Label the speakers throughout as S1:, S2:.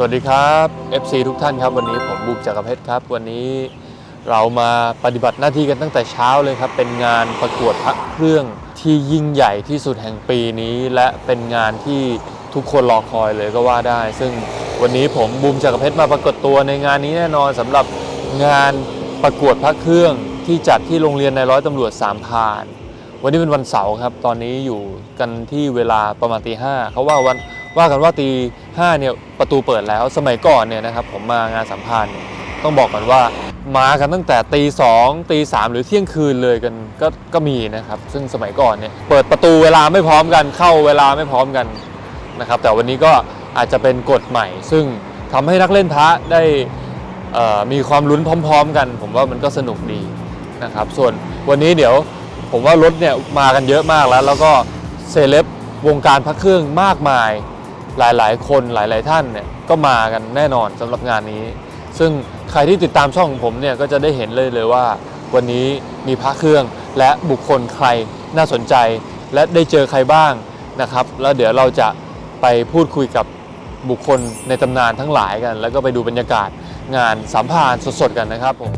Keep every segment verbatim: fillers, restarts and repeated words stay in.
S1: วัสดีครับ เอฟ ซี ทุกท่านครับวันนี้ผมบุกจักรเพชรครับวันนี้เรามาปฏิบัติหน้าที่กันตั้งแต่เช้าเลยครับเป็นงานประกวดพระเครื่องที่ยิ่งใหญ่ที่สุดแห่งปีนี้และเป็นงานที่ทุกคนรอคอยเลยก็ว่าได้ซึ่งวันนี้ผมบูมจักรเพชรมาปรากฏตัวในงานนี้แน่นอนสำหรับงานประกวดพระเครื่องที่จัดที่โรงเรียนนายร้อยตำรวจสามพรานวันนี้เป็นวันเสาร์ครับตอนนี้อยู่กันที่เวลาประมาณตีห้าเขาว่าวันว่ากันว่าตีห้าเนี่ยประตูเปิดแล้วสมัยก่อนเนี่ยนะครับผมมางานสัมพันธ์ต้องบอกกันว่ามากันตั้งแต่ตีสองตีสามหรือเที่ยงคืนเลยกันก็ก็มีนะครับซึ่งสมัยก่อนเนี่ยเปิดประตูเวลาไม่พร้อมกันเข้าเวลาไม่พร้อมกันนะครับแต่วันนี้ก็อาจจะเป็นกฎใหม่ซึ่งทำให้นักเล่นพระได้มีความลุ้นพร้อมๆกันผมว่ามันก็สนุกดีนะครับส่วนวันนี้เดี๋ยวผมว่ารถเนี่ยมากันเยอะมากแล้วแล้วก็เซเลบวงการพระเครื่องมากมายหลายๆคนหลายๆท่านเนี่ยก็มากันแน่นอนสำหรับงานนี้ซึ่งใครที่ติดตามช่องของผมเนี่ยก็จะได้เห็นเลยเลยว่าวันนี้มีพระเครื่องและบุคคลใครน่าสนใจและได้เจอใครบ้างนะครับแล้วเดี๋ยวเราจะไปพูดคุยกับบุคคลในตำนานทั้งหลายกันแล้วก็ไปดูบรรยากาศงานสัมภาษณ์สดๆกันนะครับผม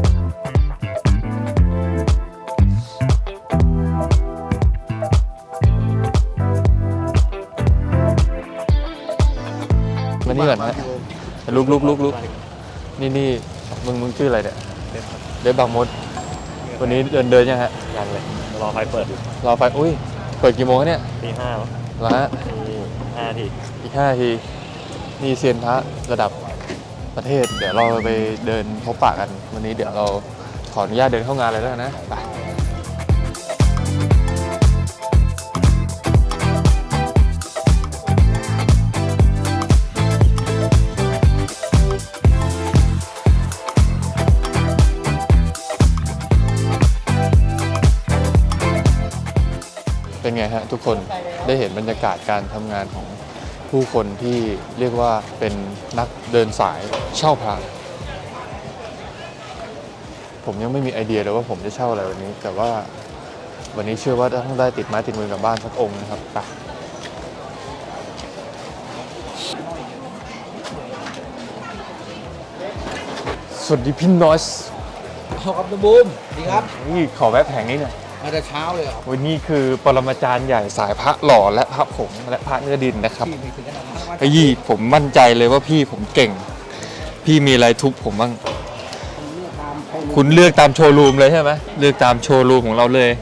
S1: มานี่ก่อนฮะลุกลุกลุกลุกนี่นี่มึงมึงชื่ออะไรเนี่ยเดฟบางมดวันนี้เดินเดินยังฮะ
S2: ยังเลยรอไฟเปิดอยู่
S1: รอไฟอุ้ยเปิดกี่โมงเนี่ย
S2: ตีห้า
S1: แล้วฮะ
S2: ห้าที
S1: อีกห้าทีนี่เซียนพระระดับประเทศเดี๋ยวเราไปเดินพบปะกันวันนี้เดี๋ยวเราขออนุญาตเดินเข้างานเลยแล้วนะไปเป็นไงฮะทุกคนได้เห็นบรรยากาศการทำงานของผู้คนที่เรียกว่าเป็นนักเดินสายเช่าพระผมยังไม่มีไอเดียเลยว่าผมจะเช่าอะไรวันนี้แต่ว่าวันนี้เชื่อว่าต้องได้ติดไม้ติดมือกลับบ้านสักองค์นะครับไปสวัสดีพี่นอส
S3: ครับคุณบูมดีครับ
S1: นี่ขอแวะแผงนี้หน่อย
S3: มาแต่เช้าเลยครับ
S1: วันนี้คือปรมาจารย์ใหญ่สายพระหล่อและพระผงและพระเนื้อดินนะครับไอ้ยี่ผมมั่นใจเลยว่าพี่ผมเก่งพี่มีอะไรทุบผมบ้างคุณเลือกตามโชว์รูมเลยใช่ไหมเลือกตามโชว์รูมของเราเลย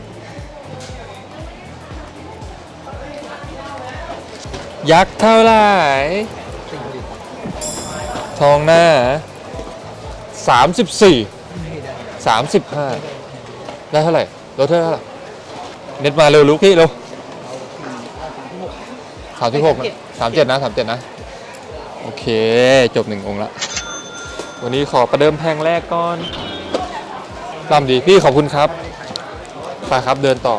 S1: ยักษ์เท่าไหร่ทองหน้าสามสิบสี่สามสิบห้าได้เท่าไหร่ลดเท่าไหร่เน็ตมาเร็วลุกพี่เร็วสามสิบหกสามเจ็ดนะสามเจ็ดนะโอเคจบหนึ่งองค์ละวันนี้ขอประเดิมแพงแรกก่อนตามดีพี่ขอบคุณครับไปครับเดินต่อ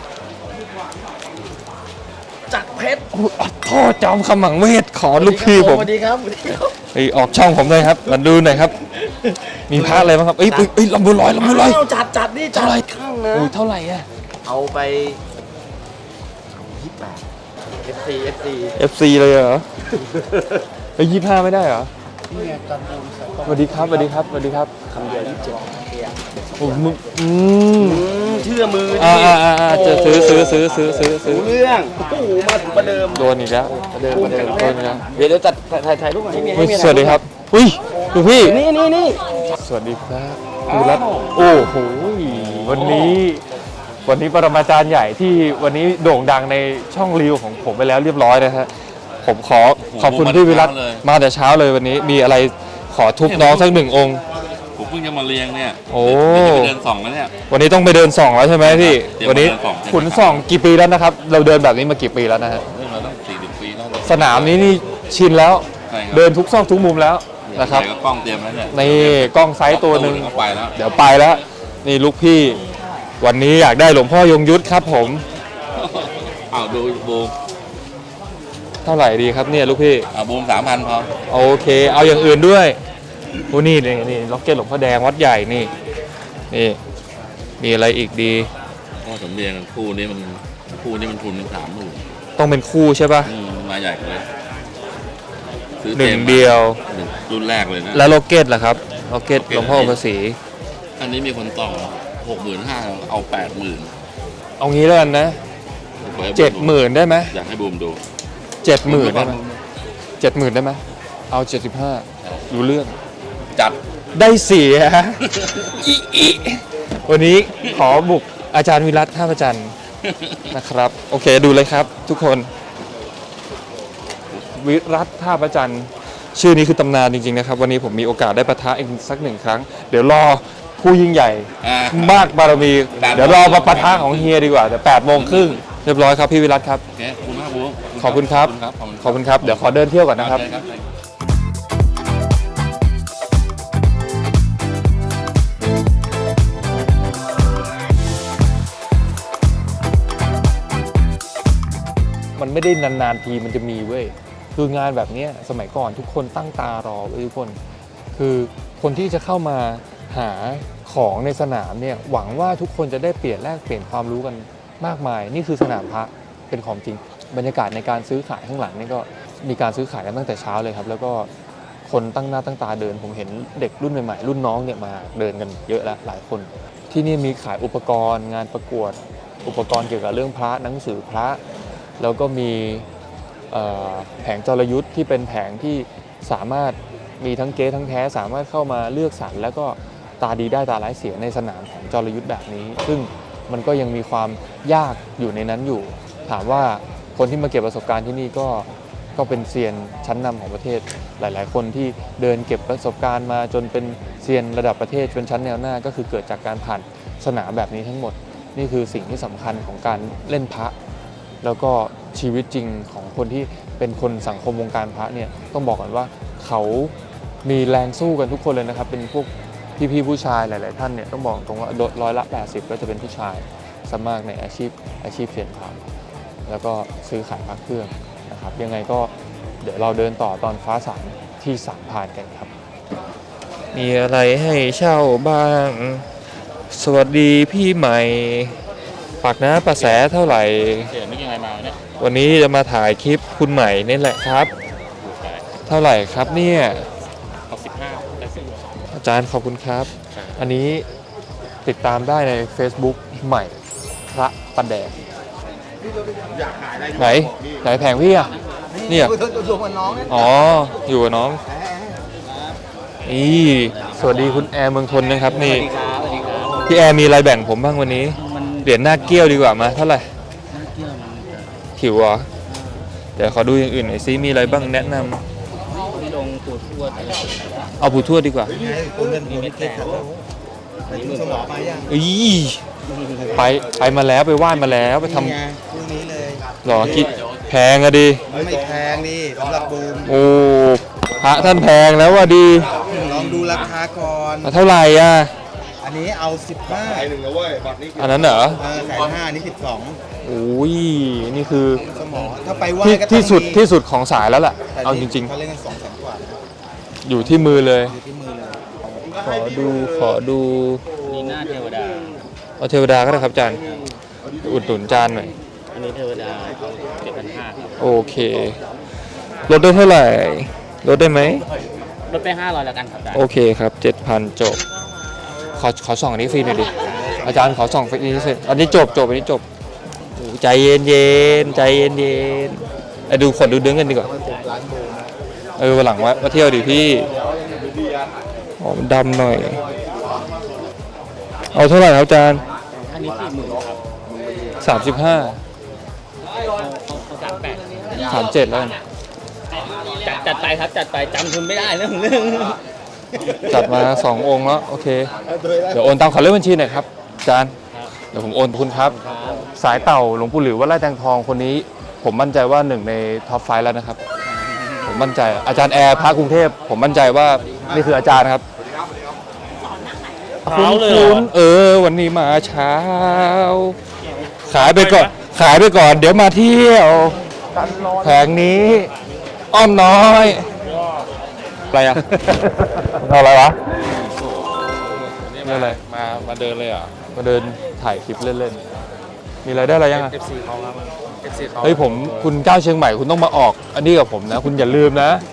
S3: จักรเพชร
S1: พ่อจอมขมังเวทขอลูกพี่ผม
S3: สวัสดีครับ
S1: ไอออกช่องผมเลยครับมาดูหน่อยครับมีพระอะไรบ้างครับเอ้ยเอ้ยลำบุญลอยลำบุญลอย
S3: จัดจัดนี่จัดข้างนะ
S1: เท่าไหร่อะ
S3: เอาไปยี่สิบแปด เอฟ ซี เอฟ ซี
S1: เอฟ ซี เลยเหรอไอ้ยี่สิบห้าไม่ได้เหรอสวัสดีครับสวัสดีครับสวัสดีครับ
S3: คำเดียวยี่สิบเจ็ด
S1: โอ้มึงอืม
S3: เชื่อมือ
S1: อ่าอ่าอ่าจะซื้อซื้อซื้อซื้อซื้อซื้อ
S3: เรื่องโอ้โหมาถึงประเดิม
S1: โดนอีกแล้วประเดิมประเดิมโดนอีกแล้ว
S3: เดี๋ยวเดี๋ยวจัดถ่ายถ่ายรูปให้
S1: มีสวัสดีครับอุ้ยดูพี่
S3: นี่นี่นี่
S1: สวัสดีครับดูรัตโอ้โหวันนี้วันนี้ปรมาจารย์ใหญ่ที่วันนี้โด่งดังในช่องรีวของผมไปแล้วเรียบร้อยนะฮะผมขอขอบคุณพี่วิรัตมาแต่เช้าเลยวันนี้มีอะไรขอทุบน้องสักหนึ่งองค์
S2: ผมเพิ่งจะมาเรียงเนี่ย
S1: โอ้
S2: ไปเดินส่องแล้วเนี่ย
S1: วันนี้ต้องไปเดินส่องแล้วใช่ไหมพี่วันนี้ขุนส่องกี่ปีแล้วนะครับเราเดินแบบนี้มากี่ปีแล้วนะฮะ
S2: เราต้องสี่สิบปีแล้ว
S1: สนามนี้นี่ชินแล้วเดินทุกซอกทุกมุมแล้วนะครับ
S2: กล้องเตรียมแล้วเนี่ย
S1: นี่กล้องไซส์ตัวหนึ่ง
S2: ไปแล้ว
S1: เดี๋ยวไปแล้วนี่ลูกพี่วันนี้อยากได้หลวงพ่อยงยุทธครับผม
S2: อ้าวดูบูม
S1: เท่าไหร่ดีครับเนี่ยลูกพี่
S2: อ้าวบูมสามพันพอ
S1: โอเคเอาอย่างอื่นด้วยโอ้นี่นี่นี่ล็อกเก็ตหลวงพ่อแดงวัดใหญ่นี่นี่มีอะไรอีกดี
S2: ก็สมเด็จคู่นี้มันคู่นี้มันทุนเป็นสามหมื่น
S1: ต้องเป็นคู่ใช่ป่ะ
S2: มาใหญ่เลยคซื้อ
S1: หนึ่ง
S2: ต็ม
S1: เดียว
S2: หนึ่งรุ่นแรกเลยนะ
S1: แล้วโลเกตล่ะครับโลเกต
S2: โลเกต
S1: หลวงพ่อภาษี
S2: อันนี้มีคนต่อหกหมื่นห้าเอาแปดหมื่น
S1: เอางี้แล้วกันนะเจ็ดหมื่นได้ไหม
S2: อยากให้บูมดู
S1: เจ็ดหมื่นได้ไหมเจ็ดหมื่นได้ไหมเอาเจ็ดสิบห้ารู้เรื่อง
S2: จัด
S1: ได้เสีย อิอิวันนี้ขอบุกอาจารย์วิรัตท่าประจันทร์นะครับ โอเคดูเลยครับ ทุกคนวิรัตท่าประจันทร์ชื่อนี้คือตำนานจริงๆนะครับ วันนี้ผมมีโอกาสได้ปะทะอีกสักหนึ่งครั้ง เดี๋ยวรอผู้ยิ่งใหญ่
S2: อ่าม
S1: มากบารมี
S2: แปดโมง
S1: เดี๋ยวรอมาปะทะของเฮียดีกว่าเดี๋ยวแปดโมงครึ่งเรียบร้อยครับพี่วิรัตครับ
S2: โอเคขอบคุณมากบูม
S1: ขอบคุณครับ
S2: ขอบคุณ
S1: ขอบคุณครับเดี๋ยวขอเดินเที่ยวก่อนนะครับ
S2: ได้ครับ
S1: มันไม่ได้นานๆทีมันจะมีเว้ยคืองานแบบเนี้ยสมัยก่อนทุกคนตั้งตารอเว้ยทุกคน คือคนที่จะเข้ามาหาของในสนามเนี่ยหวังว่าทุกคนจะได้เปลี่ยนแลกเปลี่ยนความรู้กันมากมาย นี่คือสนามพระเป็นของจริงบรรยากาศในการซื้อขายข้างหลังนี่ก็มีการซื้อขายกันตั้งแต่เช้าเลยครับ แล้วก็คนตั้งหน้าตั้งตาเดิน ผมเห็นเด็กรุ่นใหม่ๆรุ่นน้องเนี่ยมาเดินกันเยอะแล้วหลายคน ที่นี่มีขายอุปกรณ์ งานประกวดอุปกรณ์เกี่ยวกับเรื่องพระหนังสือพระ แล้วก็มีเอ่อแผงจรยุทธ์ที่เป็นแผงที่สามารถมีทั้งเก๊ทั้งแท้สามารถเข้ามาเลือกสรรแล้วก็ตาดีได้ตาร้ายเสียในสนามแผงจรยุทธ์แบบนี้ ซึ่งมันก็ยังมีความยากอยู่ในนั้นอยู่ ถามว่าคนที่มาเก็บประสบการณ์ที่นี่ก็ก็เป็นเซียนชั้นนำของประเทศหลาย ๆ คนที่เดินเก็บประสบการณ์มาจนเป็นเซียนระดับประเทศเป็นชั้นแนวหน้าก็คือเกิดจากการผ่านสนามแบบนี้ทั้งหมดนี่คือสิ่งที่สำคัญของการเล่นพระ แล้วก็ชีวิตจริงของคนที่เป็นคนสังคมวงการพระเนี่ยต้องบอกกันว่าเขามีแรงสู้กันทุกคนเลยนะครับ เป็นพวกพี่ๆผู้ชายหลาย ๆ ท่านเนี่ยต้องบอกตรงว่าร้อยละแปดสิบก็จะเป็นผู้ชายซะมากในอาชีพอาชีพเซียนพระแล้วก็ซื้อขายพระเครื่องนะครับยังไงก็เดี๋ยวเราเดินต่อตอนฟ้าสางที่สามพรานกันครับ มีอะไรให้เช่าบ้าง สวัสดีพี่ใหม่ปากน้ำประแสเท่าไหร่
S2: เสียนึกยังไงมาเนี่ย
S1: วันนี้จะมาถ่ายคลิปคุณใหม่นี่แหละครับ เท่าไหร่ครับเนี่ย
S2: เอาสิบห้าได้สิบ
S1: อาจารย์ขอบคุณครับ อันนี้ติดตามได้ใน Facebook ใหม่พระประแดงไหนไหนแผงพี่อ่ะเนี่ย
S3: อยู่กับน้อง
S1: อ๋ออยู่กับน้องนี่สวัสดีคุณแอร์เมืองทนนะครับนี่
S3: สวัสดีครับ
S1: พี่แอร์มีอะไรแบ่งผมบ้างวันนี้
S3: มัน
S1: เหรียญหน้าเกี้ยวดีกว่ามาเท่าไหร่
S3: เกี่ยวมัน
S1: ถิวเหรอเดี๋ยวขอดูอย่างอื่นหน่อยซิมีอะไรบ้างแนะนำ
S3: ที่ลงปูดทวด
S1: เอาผู้ทวดดีกว่า
S3: คุณเงินมีเม็ดแตกไปดูสมอมายัง
S1: อีไปไปมาแล้วไปไหว้มาแล้วไปทำ
S3: นี่ไงคู่นี้เลย
S1: หรอกิแพงอะดิ
S3: ไม่แพงดิสำหรับบูม
S1: โอ้พระท่านแพงแล้วว่ะดี
S3: ลองดูราคาก่อน
S1: เท่าไหร่อ่ะ
S3: อันนี้เอาสิบห้า
S1: อันนั้นเหรอ
S3: เออแสนห้านี่สิบสอง
S1: โอ้ยนี่คือ
S3: สมอถ้าไปไหว้
S1: ที่
S3: ก็ต้อง
S1: ที่สุด
S3: มี
S1: ที่สุดของสายแล้วแหละ
S3: แต่
S1: เอาจ
S3: นี่
S1: ริง
S3: เขาเล่นกันสองแสนกว่านะ
S1: ๆ อยู่ที่มือเลย
S3: อยู่ที่มือเลย
S1: ขอดูขอดู
S3: นี่หน้าเทวดา
S1: เอาเทวดาก็ได้ครับอาจารย์อุดหนุนจานหน่อย
S3: อันนี้เทวดาเอาเจ็ดพันห้าครับ
S1: โอเคลดได้เท่าไหร่ลดได้ไหม
S3: ลดไปห้าร้อยแล้วกันครับ
S1: โอเคครับ เจ็ดพัน จบ ขอขอส่องอันนี้ฟรีหน่อยดิ อาจารย์ขอส่องฟรีนิดนึงอันนี้จบจบอันนี้จบโอ้ใจเย็นเย็นใจเย็นเย็นไอ้ดูขนดูดึงกันดีกว่า เออวันหลังว่ามาเที่ยวดิพี่อ๋อมันดำหน่อย เอาเท่าไหร่ครับอาจารย์
S3: อันนี้สี่หมื่นครับ
S1: สามสิบห้า
S3: เอาเอาสามแปด
S1: สามเจ็ดแล้วกัน
S3: จัดจัดไปครับจัดไปจำคุณไม่ได้เรื่องเรื่อง
S1: จัดมาสององค์แล้วโอเค เดี๋ยวโอนตามขอเลขบัญชีหน่อยครับอาจารย์ เดี๋ยวผมโอนคุณครับ สายเต่าหลวงปู่หลิววัดไร่แตงทองคนนี้ ผมมั่นใจว่าหนึ่งในท็อปไฟว์แล้วนะครับ ผมมั่นใจอาจารย์แอร์พระกรุงเทพผมมั่นใจว่านี่คืออาจารย์ครับคุ้นคุ้นเออ วันนี้มาเช้า ขายไปก่อนขายไปก่อน เดี๋ยวมาเที่ยวแผงนี้ อ้อมน้อยอะไรอ่ะ เอาอะไรวะนี่อะไร
S2: มามาเดินเลยเหรอ
S1: มาเดินถ่ายคลิปเล่นๆ มีอะไรได้อะไรยังอ่ะ
S3: เอฟซีเขาครับเอฟซีเขา
S1: เฮ้ยผมคุณก้าวเชียงใหม่คุณต้องมาออก อันนี้กับผมนะ คุณอย่าลืมนะ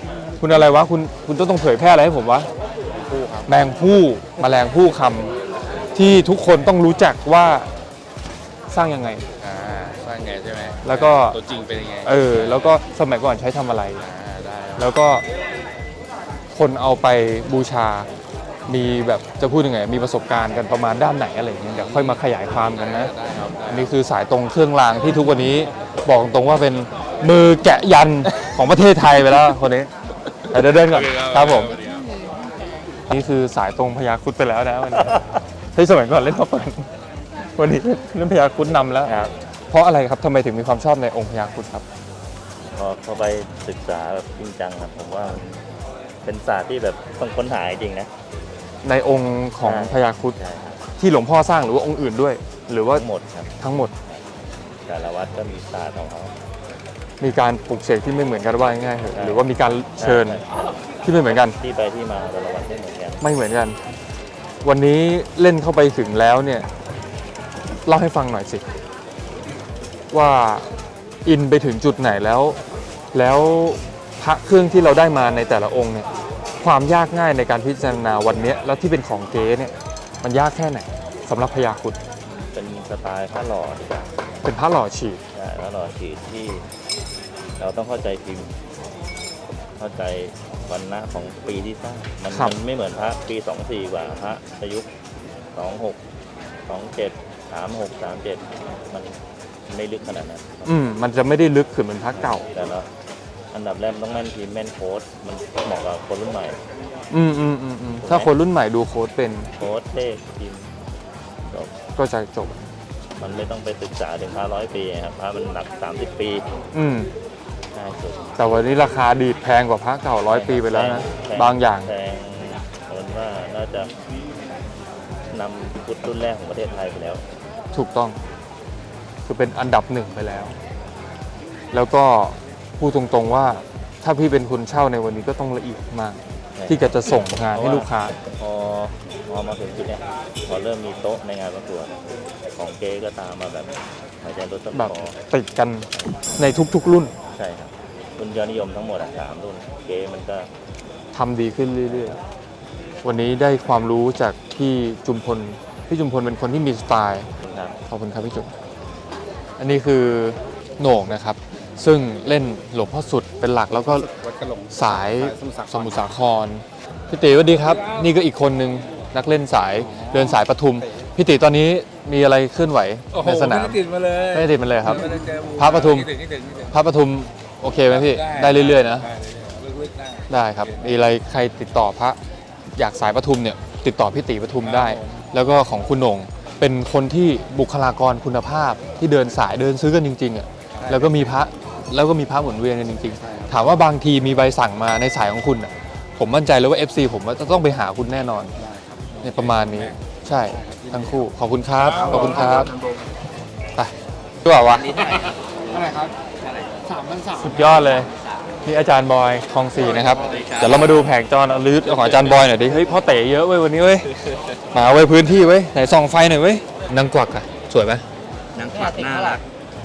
S1: คุณอะไรวะคุณคุณต้องต้องเผยแพร่อะไรให้ผมวะแมงผู้แมลงผู้คำที่ทุกคนต้องรู้จักว่าสร้างยังไง
S2: อ่าสร้างไงใช่ไหม
S1: แล้วก็
S2: ตัวจริงเป็นยังไง
S1: เออแล้วก็สมัยก่อนใช้ทำอะไร
S2: อ่าได้ครับ
S1: แล้วก็คนเอาไปบูชา มีแบบจะพูดยังไง มีประสบการณ์กันประมาณด้านไหนอะไรอย่างเงี้ยเดี๋ยวค่อยมาขยายความกันนะ
S2: ได้ครับได้
S1: อันนี้คือสายตรงเครื่องรางที่ทุกวันนี้บอกตรงว่าเป็นมือแกะยันของประเทศไทยไปแล้วคนนี้เดี๋ยวเดินก่อนครับผม นี่คือสายตรงพญาครุฑไปแล้วนะวันนี้เฮ้ยสมัยก่อนเล่นมาเปิดวันนี้เล่นพญาครุฑนำแล้ว
S4: ครับ
S1: เพราะอะไรครับทำไมถึงมีความชอบในองค์พญาครุฑครับ
S4: พอพอไปศึกษาแบบจริงจังครับผมว่ามันเป็นศาสตร์ที่แบบต้องค้นหาจริงๆนะ
S1: ในองค์ของ
S4: ใช่
S1: พญาครุฑ
S4: ใช่ครับ
S1: ที่หลวงพ่อสร้างหรือว่าองค์อื่นด้วย หรือว่า
S4: ทั้งหมดครับ
S1: ทั้งหมด
S4: แต่ละวัดก็มีศาสตร์ของเขา
S1: มีการปลุกเสกที่ไม่เหมือนกันว่าง่ายๆเถอะ
S4: ใช่
S1: หรือว่ามีการเชิญ
S4: ใช่
S1: ที่ไม่เหมือนกัน
S4: ที่ไปที่มาแต่ละวัดไม่เหมือนกัน
S1: ไม่เหมือนกัน วันนี้เล่นเข้าไปถึงแล้วเนี่ยเล่าให้ฟังหน่อยสิ ว่าอินไปถึงจุดไหนแล้ว แล้วพระเครื่องที่เราได้มาในแต่ละองค์เนี่ยความยากง่ายในการพิจารณาวันเนี้ยแล้วที่เป็นของเก๊เนี่ยมันยากแค่ไหนสำหรับพญาครุฑ
S4: เป็นสไตล์ผ้าหล่อดีกว่า
S1: เป็นพระหล่อฉีด
S4: ใช่ผ้าหล่อฉีดที่เราต้องเข้าใจพิมพ์ เข้าใจวันณะของปีที่สร้างมัน
S1: ครับ
S4: มันไม่เหมือนพระปีสองสี่กว่าพระประยุกต์สองหกสองเจ็ดสามหกสามเจ็ดมันไม่ลึกขนาดนั้น
S1: อืมมันจะไม่ได้ลึกขึ้นเหมือนพระเก่า
S4: แต่ละอันดับแรกต้องแม่นพิมพ์แม่นโค้ดมันเหมาะกับคนรุ่นใหม่
S1: อืมอืมอืมอืมถ้าคนรุ่นใหม่ดูโค้ดเป็น
S4: โค้ดเลขพิมพ์จบ
S1: ก็จะจบ
S4: มันไม่ต้องไปศึกษาถึงพระร้อยปีครับพระมันหนักสามสิบปี
S1: อืม
S4: ง่ายสุด
S1: แต่วันนี้ราคาดีดแพงกว่าพระเก่าร้อยปีไปแล้วนะ
S4: พง
S1: บางอย่าง
S4: แพงผมว่าน่าจะนำพุทธรุ่นแรกของประเทศไทยไปแล้ว
S1: ถูกต้อง คือเป็นอันดับหนึ่งไปแล้ว แล้วก็พูดตรงๆว่าถ้าพี่เป็นคนเช่าในวันนี้ก็ต้องละเอียดมาก ที่จะจะส่งงานให้ลูกค้า
S4: พอพอมาถึงจุดเนี้ยพอเริ่มมีโต๊ะในงานประกวดของเก๊ก็ตามมาแบบหายใจรถต้น
S1: แบบ
S4: คอ
S1: ติดกันในทุกๆรุ่น
S4: ใช่ครับรุ่นยอดนิยมทั้งหมดอะสามรุ่นเก๊มันก็
S1: ทำดีขึ้นเรื่อยๆ วันนี้ได้ความรู้จากพี่จุมพล พี่จุมพลเป็นคนที่มีสไตล์
S4: ครับ
S1: ขอบคุณครับพี่จุมอันนี้คือโหน่งนะครับ ซึ่งเล่นหลวงพ่อสุดเป็นหลักแล้วก็
S5: วัดกระหลง
S1: สาย
S5: ส
S1: ส
S5: มุ
S1: มุ
S5: ท
S1: ท
S5: ร
S1: ร
S5: สา
S1: สา
S5: ค
S1: คร พี่ตีสวัสดีครับ นี่ก็อีกคนนึงนักเล่นสายเดินสายปทุม พี่ตีตอนนี้มีอะไรเคลื่อนไหว
S5: โอ้โห
S1: ในสนาม
S5: ไม่ได้ติดมาเลย
S1: ไม่ได้ติดมันเลยครับ
S5: ไม่ได้เจอ
S1: พระปทุม
S5: คิดถึงคิดถึงคิดถึง
S1: พระปทุมโอเคไหมพี่ ได้เรื่อยๆนะ
S5: ได้เรื่อยๆลึกๆได้
S1: ได้ครับ มีอะไรใครติดต่อพระอยากสายปทุมเนี่ยติดต่อพี่ตีปทุมได้ แล้วก็ของคุณโหน่งเป็นคนที่บุคลากรคุณภาพที่เดินสายเดินซื้อกันจริงๆอ่ะแล้วก็มีพระแล้วก็มีพระหมุนเวียนกันจริงๆ ถามว่าบางทีมีใบสั่งมาในสายของคุณอ่ะผมมั่นใจเลยว่า เอฟ ซี ผมว่าจะต้องไปหาคุณแน่นอนเนี่ยประมาณนี้ใช่ทั้งคู่ขอบคุณครับขอบคุณครับไปดีกว่าวะ
S5: อะไรครับสามพันสาม
S1: สุดยอดเลยนี่อาจารย์บอยคลองสี่นะครับเดี๋ยวเรามาดูแผงจอนะลืดของอาจารย์บอยหน่อยดิเฮ้ยพ่อเต๋เยอะเว้ยวันนี้เว้ยมาเว้ยพื้นที่เว้ยไหนส่องไฟหน่อยเว้ยนางกวักอะสวยไหม
S3: นางฝักน่ารัก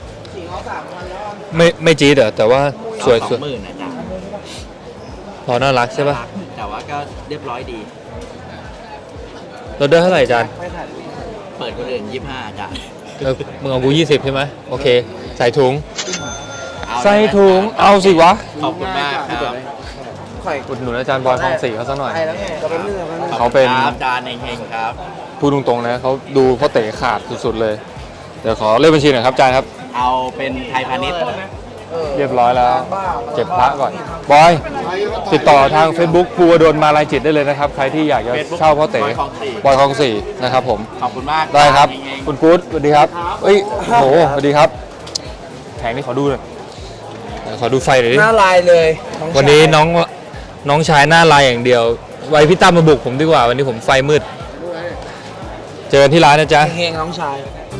S1: ไม่ไม่จี๊ดเหรอแต่ว่าสวย
S3: ส
S1: ส
S3: อ
S1: วย
S3: งหมื่นนะจ๊ะ
S1: พอน่ารักใช่ปะ
S3: แต่ว่าก็เรียบร้อยดี
S1: เราได้เท่าไหร่อาจารย์
S3: เปิดคนอื่นยี่สิบห้าจ้ะ
S1: เออมึงเอากูยี่สิบใช่ไหมโอเคใส่ถุง
S3: เอา
S1: ใส่ถุงเอาสิวะ
S3: ขอบคุณมากครับ
S1: อุดหนุนอาจารย์บอยคลองสี่เขาสักหน่อย
S3: ขอบ
S1: เขาเป็น
S3: คุณครับจานเฮงๆครับ
S1: พูดตรงๆนะเขาดูพ่อเต๋ขาดสุดๆเลยเดี๋ยวขอเลขบัญชีหน่อยครับอาจารย์ครับ
S3: เอาเป็นไทยพาณิชย์
S1: เรียบร้อยแล้วเก็บพระก่อนบอยติดต่อทาง Facebook ภูวดลมาลายจิตได้เลยนะครับใครที่อยากจะเช่าพ่อเต๋
S3: บอยคลองสี่
S1: บอยคลองสี่นะครับผม
S3: ขอบคุณมาก
S1: ได้ครับ
S3: เฮงๆ
S1: คุณกู๊ดสวัสดีครับเอ้ยโหสวัสดีครับแผงนี้ขอดูหน่อยขอดูไฟหน่อยดิ
S5: หน้าลายเลย
S1: วันนี้น้องน้องชายหน้าลายอย่างเดียว ไว้พี่ตั้มมาบุกผมดีกว่าวันนี้ผมไฟมืด เจอกันที่ร้านนะจ๊ะ
S5: เฮงน้องชาย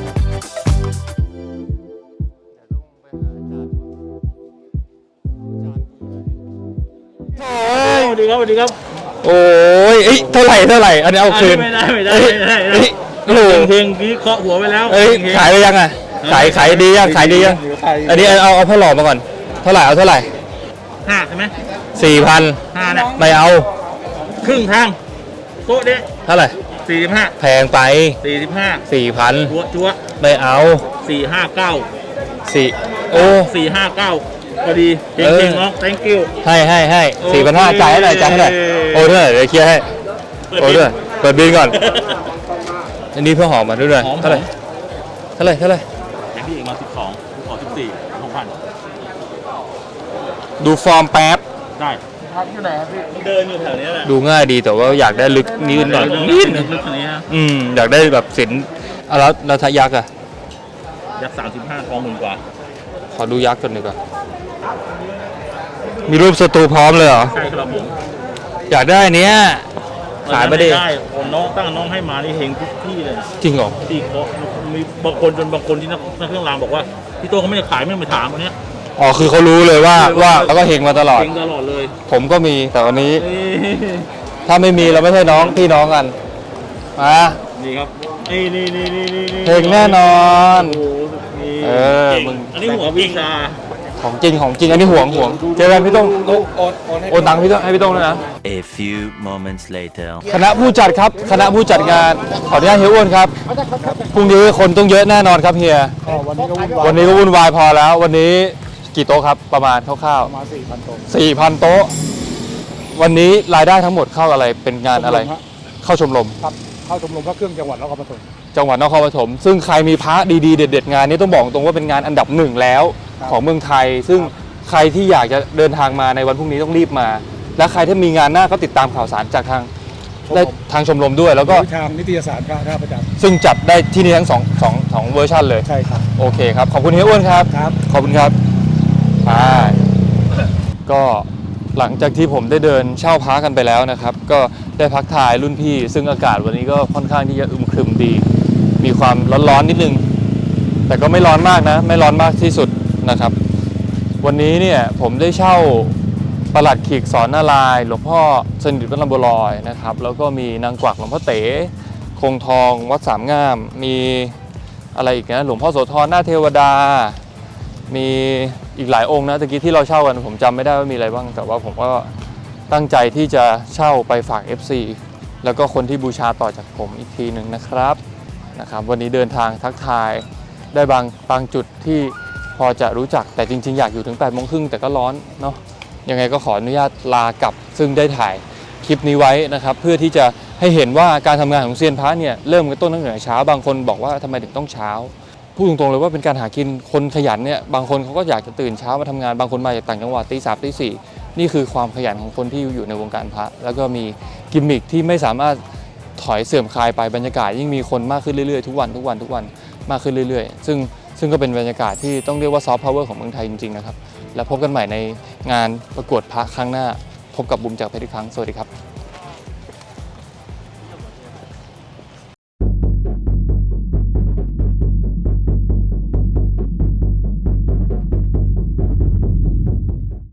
S1: สวัสดีครับสวัสดีครับ โอ้ยเอ้ยเท่าไหร่เท่าไหร่อันนี้เอาคืน
S6: ไม่ได้ไม่ได้
S1: เอ้ย
S6: ไม่ได้ไม่ได้
S1: เอ้ยโอ้โห
S6: เพลงกี้เคาะหัวไปแล้ว
S1: เอ้ยขายไปยังอ่ะขายขายดียังขายดียังอันนี้เอาเอาพ่อหล่อมาก่อนเท่าไหร่เอาเท่าไหร่
S4: ห้าใช่ไหม
S1: สี่พัน
S4: ห้านะ
S1: ไม่เอา
S4: ครึ่งทางโต๊ะเด้
S1: เท่าไหร่
S4: สี่สิบห้า
S1: แพงไป
S4: สี่สิบห้า
S1: สี่พัน
S4: จัวจัว
S1: ไม่เอา
S4: สี่ห้าเก้า
S1: สี่โอ้
S4: สี่ห้าเก้าพอดีเก่
S1: เออ
S4: งๆน้อง thank you
S1: ให้ให้ให้
S4: โอเค
S1: สี่พันห้าจ่ายให้หน่อยจ่ายให้หน่อยโอ้ด้วยเดี๋ยวเคลียร์ให้ โอ้ด้วยเปิดบินก่อน อันนี้เพื่อหอมมาด้วยด้วย
S4: หอม
S1: เท่าไหร่เท่าไหร่เท่าไหร่
S4: อย่างพี่เอกมาสิบสองขอสิบสี่หกพัน
S1: ดูฟอร์มแป๊บ
S4: ได้
S5: พักอยู่ไหนครับพี่
S4: มันเดินอยู่แถวนี้แหละ
S1: ดูง่ายดีแต่ว่าอยากได้ลึกนิดหน่อยนิดนึง
S4: ลึกๆอันนี้ฮะ
S1: อืมอยากได้แบบศิลป์อ่ะแล้วแล้วถ้ายักษ์อ่ะ
S4: ยักษ์สามสิบห้าทองหมื่นกว่า
S1: ขอดูยักษ์ก่อนดีกว่ามีรูปสตูพร้อมเลยเหรอ
S4: ใช่ครับผม
S1: อยากได้อันเนี้ยขายไม่ได้
S4: ได้คนน้องตั้งน้องให้มานี่เฮงทุกที่เลย
S1: จริงเหรอ
S4: ที่เขามีบางคนจนบางคนที่นักนักเครื่องรางบอกว่าพี่โต้เขาไม่ได้ขายไม่ได้มาถามวันเนี้ย
S1: อ๋อคือเขารู้เลยว่าว่าแล้วก็เฮงมาตลอด
S4: เฮงตลอดเลย
S1: ผมก็มีแต่วันนี้
S4: นี่
S1: ถ้าไม่มีเราไม่ใช่น้องพี่น้องกันมา
S4: นี่ครับนี่นี่นี่นี่นี่นี่
S1: เฮงแน่นอน
S4: โอ้โหนี่
S1: เออ
S4: เก่ง
S1: มึง
S4: อันนี้หัววิชา
S1: ของจริงของจริงอันนี้ห่วงห่วงเจอกันพี่ต้อง
S5: โอนโอนโอนให้
S1: โอนตังค์พี่ต้องให้พี่ต้องด้วยนะ
S6: A few moments later.
S1: คณะผู้จัดครับคณะผู้จัดงานขออนุญาตเฮียอ้วนครับพรุ่งนี้คนต้องเยอะแน่นอนครับเฮีย
S5: อ๋อวันนี้ก็วุ่นวาย
S1: วันนี้ก็วุ่นวายพอแล้ว วันนี้กี่โต๊ะครับประมาณคร่าว
S5: ประมาณสี่พันตัว
S1: ๆสี่พันโต๊ะ วันนี้รายได้ทั้งหมดเข้าอะไรเป็นงานอะไร เข้าชมรม
S5: ครับเข้าชมรมพระเครื่องจังหวัดนครปฐม
S1: จังหวัดนครปฐมซึ่งใครมีพระดีๆเด็ดๆงานนี้ต้องบอกตรงว่าเป็นงานอันดับหนึ่งแล้ว
S5: ครับ
S1: ของเมืองไทย ซึ่งใครที่อยากจะเดินทางมาในวันพรุ่งนี้ต้องรีบมา และใครที่มีงานหน้าก็ติดตามข่าวสารจากทางได้ทางชมรมด้วย แล้วก็
S5: วิทางนิตยสารพระท่าประจันทร์
S1: ซึ่งจัดได้ที่นี่ทั้งสองสองสองเวอร์ชันเลย
S5: ใช่ครับ
S1: โอเคครับ ขอบคุณเฮียอ้วนครับ
S5: ครับ
S1: ขอบคุณครับใช่ก็หลังจากที่ผมได้เดินเช่าพักกันไปแล้วนะครับ ก็ได้พักทายรุ่นพี่ ซึ่งอากาศวันนี้ก็ค่อนข้างที่จะอึมครึมดี มีความร้อนๆนิดนึง แต่ก็ไม่ร้อนมากนะ ไม่ร้อนมากที่สุดนะครับ วันนี้เนี่ยผมได้เช่าประหลัดขีกสอนนารายณ์หลวงพ่อสนิทวัดลำบัวลอยนะครับ แล้วก็มีนางกวักหลวงพ่อเต๋คงทองวัดสามงาม มีอะไรอีกนะหลวงพ่อโสธรหน้าเทวดา มีอีกหลายองค์นะตะกี้ที่เราเช่ากันผมจำไม่ได้ว่ามีอะไรบ้าง แต่ว่าผมก็ตั้งใจที่จะเช่าไปฝาก เอฟ ซี แล้วก็คนที่บูชาต่อจากผมอีกทีหนึ่งนะครับนะครับ วันนี้เดินทางทักทายได้บางบางจุดที่พอจะรู้จักแต่จริงๆอยากอยู่ถึงแปดโมงครึ่งแต่ก็ร้อนเนาะยังไงก็ขออนุญาตลากลับซึ่งได้ถ่ายคลิปนี้ไว้นะครับ เพื่อที่จะให้เห็นว่าการทำงานของเซียนพระเนี่ยเริ่มกันต้นตั้งแต่เช้าบางคนบอกว่าทำไมถึงต้องเช้าพูดตรงๆเลยว่าเป็นการหากินคนขยันเนี่ยบางคนเขาก็อยากจะตื่นเช้ามาทำงานบางคนมาจากต่างจังหวัดตีสามตีสี่นี่คือความขยันของคนที่อยู่ในวงการพระแล้วก็มีกิมมิคที่ไม่สามารถถอยเสื่อมคลายไปบรรยากาศยิ่งมีคนมากขึ้นเรื่อยๆทุกวันทุกวันทุกวันมากขึ้นเรื่อยๆซึ่งซึ่งก็เป็นบรรยากาศที่ต้องเรียกว่าซอฟต์พาวเวอร์ของเมืองไทยจริงๆนะครับแล้วพบกันใหม่ในงานประกวดพระครั้งหน้าพบกับบุ๋มจากเพชรอีกครั้งสวัสดีครับ